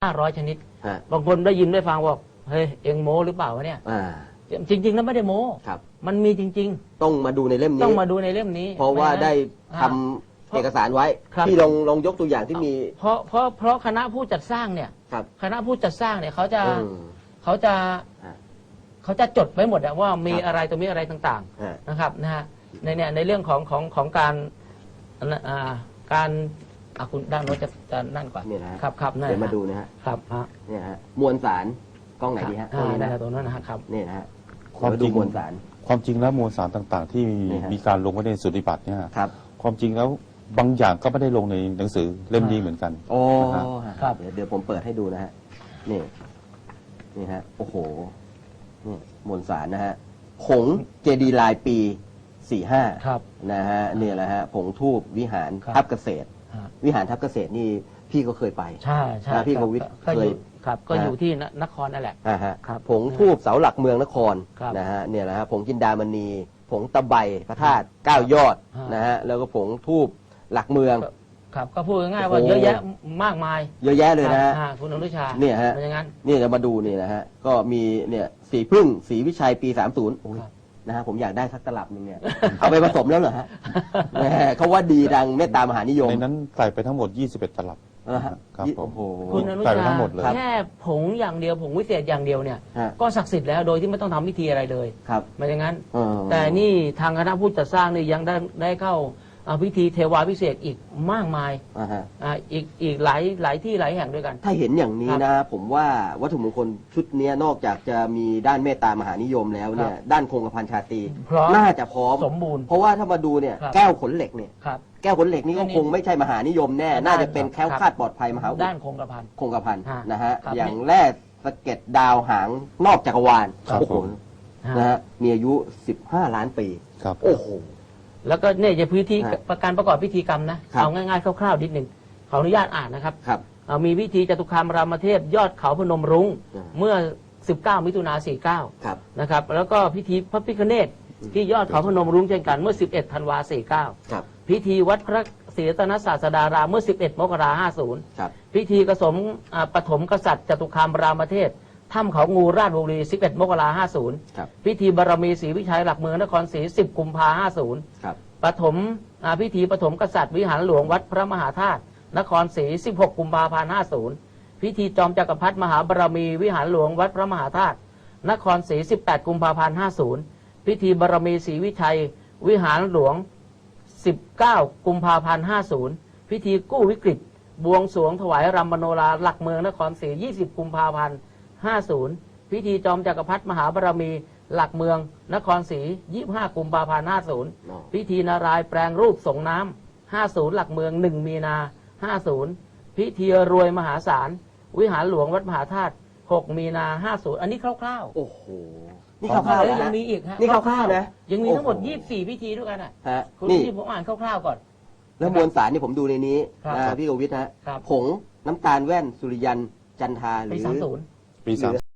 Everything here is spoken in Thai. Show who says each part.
Speaker 1: 500 ชนิดบางคนได้ยินได้ฟังบอกเฮ้ยเอ็งโม้หรือเปล่าวะเนี่ยจริงๆแล้วไม่ได้โม้มันมีจริง
Speaker 2: ๆต้องมาดูในเล่มนี้
Speaker 1: ต้องมาดูในเล่มนี้
Speaker 2: เพราะว่าได้ทำเอกสารไว้ที่ลองยกตัวอย่างที่มี
Speaker 1: เพราะคณะผู้จัดสร้างเนี่ยคณะผู้จัดสร้างเนี่ยเขาจะจดไว้หมดว่ามีอะไรตัวมีอะไรต่างๆนะครับในเรื่องของการคุณด้านโน้นจะนั่นกว่าครับ
Speaker 2: เดี๋ยวมาดูนะฮะ
Speaker 1: ครับ
Speaker 2: เนี่ยฮะมวลสารกล้องไหนดีฮะกล้องนี้นะ
Speaker 1: ตรงนั้นนะครับ
Speaker 2: นี่นะฮะ
Speaker 3: ความจริงมวลสารแล้วมวลสารต่างๆ ที่มีการลงไว้ในสุติบัติเนี่ยความจริงแล้วบางอย่างก็ไม่ได้ลงในหนังสือเล่มนี้เหมือนกัน
Speaker 2: โอ้ครับเดี๋ยวผมเปิดให้ดูนะฮะนี่ฮะโอ้โหนี่มวลสารนะฮะผงเจดีลายปี45นะฮะนี่แหละฮะผงทูบวิหารทับเกษตรวิหารทับเกษตรนี่พี่ก็เคยไป
Speaker 1: ใช่
Speaker 2: พี่กวิทย์เคย
Speaker 1: ครับก็อยู่ที่นครนั่นแหละ
Speaker 2: ผงทูบเสาหลักเมืองนครนะฮะเนี่ยแหละฮะผงจินดามณีผงตะไบพระธาตุ9 ยอดนะฮะแล้วก็ผงทูบหลักเมือง
Speaker 1: ครับก็พูดง่ายๆว่าเยอะแยะมากมาย
Speaker 2: เยอะแยะเลยนะฮะ
Speaker 1: คุณอนุชา
Speaker 2: เนี่ยฮะนี่จะมาดูนี่นะฮะก็มีเนี่ยสีพึ่งสีวิชัยปี30นะฮะผมอยากได้สักตลับนึงเนี่ยเอาไปผสมแล้วเหรอฮะเขาว่าดีดังเมตตามหานิยม
Speaker 3: ในนั้นใส่ไปทั้งหมด21 ตลับ
Speaker 2: ครับผม
Speaker 1: คุณอนุชาแค่ผงอย่างเดียวผงวิเศษอย่างเดียวเนี่ยก็ศักดิ์สิทธิ์แล้วโดยที่ไม่ต้องทำพิธีอะไรเลยไม่อย่างนั้นแต่นี่ทางคณะผู้จัดสร้างนี่ยังได้เข้าพิธีเทวาพิเศษอีกมากมายอีกหลายที่หลายแห่งด้วยกัน
Speaker 2: ถ้าเห็นอย่างนี้นะผมว่าวัตถุมงคลชุดนี้นอกจากจะมีด้านเมตตามหานิยมแล้วเนี่ยด้านคงกระพันชาตรีน่าจะพร้อม
Speaker 1: สมบูรณ์
Speaker 2: เพราะว่าถ้ามาดูเนี่ยแก้วขนเหล็กเนี่ยแก้วขนเหล็กนี่ก็คงไม่ใช่มหานิยมแน่น่าจะเป็นแคล้วคลาดปลอดภัยมหา
Speaker 1: ด้านคงกระ
Speaker 2: พันนะฮะอย่างแร่สะเก็ดดาวหางนอกจักรวาลโอ้โหนะฮะมีอายุ15 ล้านปีโอ้โห
Speaker 1: แล้วก็เนี่ยจะพื้นที่การประกอบพิธีกรรมนะเอาง่ายๆคร่าวๆนิดหนึ่งขออนุญาตอ่านนะครับมีพิธีจตุคามรามเทพยอดเขาพนมรุ้งเมื่อ19 มิถุนายน 49นะครับแล้วก็พิธีพระพิฆเนศที่ยอดเขาพนมรุ้งเช่นกันเมื่อ11 ธันวาคม 49พิธีวัดพระศรีรัตนศาสดารามเมื่อ11 มกราคม 50พิธีกสมปฐมกษัตริย์จตุคามรามเทพถ้ำเขางูราชบุรี11 มกราคม 50พิธีบารมีศรีวิชัยหลักเมืองนครศรี10 กุมภาพันธ์ 50ปฐมพิธีปฐมกษัตริย์วิหารหลวงวัดพระมหาธาตุนครศรี16 กุมภาพันธ์ 50พิธีจอมจักรพรรดิมหาบารมีวิหารหลวงวัดพระมหาธาตุนครศรี18 กุมภาพันธ์ 50พิธีบารมีศรีวิชัยวิหารหลวง19 กุมภาพันธ์ 50พิธีกู้วิกฤตบวงสรวงถวายรำมโนราหลักเมืองนครศรี20 กุมภาพันธ์50พิธีจอมจักรพรรดิมหาบารมีหลักเมืองนครศรี25 กุมภาพันธ์ 50พิธีนารายแปลงรูปส่งน้ำ50หลักเมือง1 มีนา50พิธีรวยมหาศาลวิหารหลวงวัดมหาธาตุ6 มีนา50อันนี้คร่าว
Speaker 2: ๆโอ้โหนี่คร่าวๆแล้ว
Speaker 1: ยังมีอีกฮะ
Speaker 2: นี่คร่าวๆนะ
Speaker 1: ยังมีทั้งหมด24พิธีด้วยกันคุณที่ผมอ่านคร่าวๆก่อน
Speaker 2: แล้วมวลสารนี่ผมดูในนี้พี่กวิทย์ฮะผงน้ำตาลแว่นสุริยันจันทาหรือ
Speaker 1: ปี 30